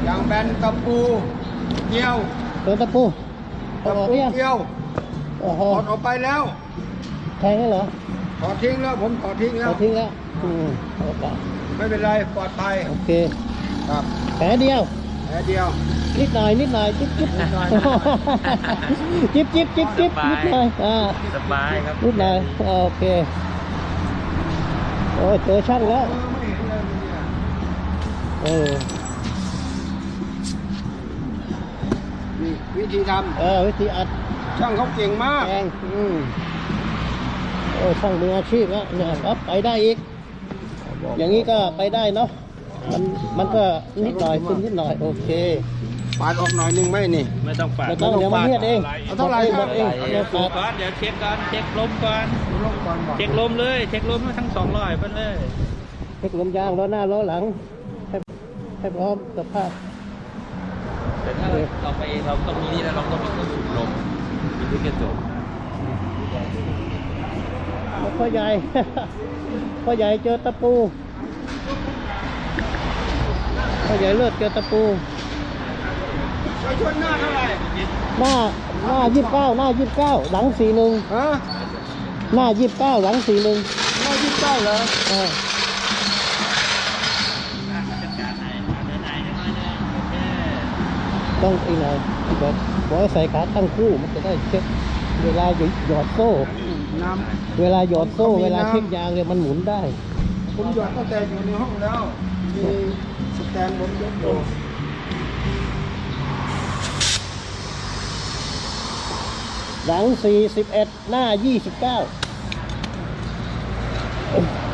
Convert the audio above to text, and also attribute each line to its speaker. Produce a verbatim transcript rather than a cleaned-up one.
Speaker 1: ยางแบนตะปูเกลียว
Speaker 2: โดนตะปู
Speaker 1: ตะปูเกลียว
Speaker 2: โอ้โห
Speaker 1: ถอดออกไปแล้ว
Speaker 2: แทงได้เหรอ
Speaker 1: ถอดทิ้งแล้วผมถอดทิ้งแล้ว
Speaker 2: ถอดทิ้งแล้วอืม
Speaker 1: ไม่เป็นไรปลอดภัย
Speaker 2: โอเค
Speaker 1: ครับ
Speaker 2: แผลเดียว
Speaker 1: แผลเดียว
Speaker 2: นิดหน่อยนิดหน่อยจิ๊บจิ๊บนิดหน่อยจิ๊บจิ๊บจิ๊บจิ๊บนิดหน่อยอ่า
Speaker 3: สบายครับ
Speaker 2: นิดหน่อยโอเคโอ้เจอช่างแล้วเออ
Speaker 1: วิธีทำ
Speaker 2: เออวิธีอัด
Speaker 1: ช่างเขาเก่งมาก
Speaker 2: แรงอืมโอ้ช่างมืออาชีพแล้วเนี่ยครับไปได้อีกอย่างนี้ก็ไปได้เนาะมันมันก็นิดหน่อยขึ้นนิดหน่อยโอเค
Speaker 1: ปาดออกหน่อยนึงไหมนี่
Speaker 3: ไม่ต้องปาด
Speaker 2: ไม่ต้องเดี๋ยวมันเทียดเอง
Speaker 1: เอาเท่าไหร่
Speaker 2: หมดเอง
Speaker 3: เดี๋ยวก่อนเดี๋ยวเช็คก่อนเช็คลมก่อนเช็คลมเลยเช็คลมทั้งสองร้อยไปเลย
Speaker 2: เช็คลมยางล้อหน้าล้อหลังให้ให้พร้อมสภาพ
Speaker 3: แต่ถ้าเราไปเราต้องมีนี่นะเราต้องมีเครื่องสูบลมมีที่กระจก
Speaker 2: พ่อใหญ่พ่อใหญ่เจอตะปูพ่อใหญ่เลือดเจอตะปู
Speaker 1: ไปชนหน้าเท่าไหร่
Speaker 2: หน้าหน้ายี่สิบเก้าหน้ายี่สิบเก้าหลังสี่หนึ่ง
Speaker 1: ฮะ
Speaker 2: หน้ายี่สิบเก้าหลังสี่หนึ่ง
Speaker 1: หน้ายี่สิบเก้าเหรอ
Speaker 2: อ่าต้องอีกหน่อยแบบบอกให้ใส่ขาตั้งคู่มันจะได้เช็คเวลาหยอดโซ่
Speaker 1: น้
Speaker 2: ำเวลาหยอดโซ่เวลาเช็คยางเนี่ยมันหมุนได้
Speaker 1: ผมหยอดตั้งแต่อยู่ในห้องแล้วมีสแตนผมยกอยู่
Speaker 2: หลังสี่สิบเอ็ดหน้ายี่สิบเก้า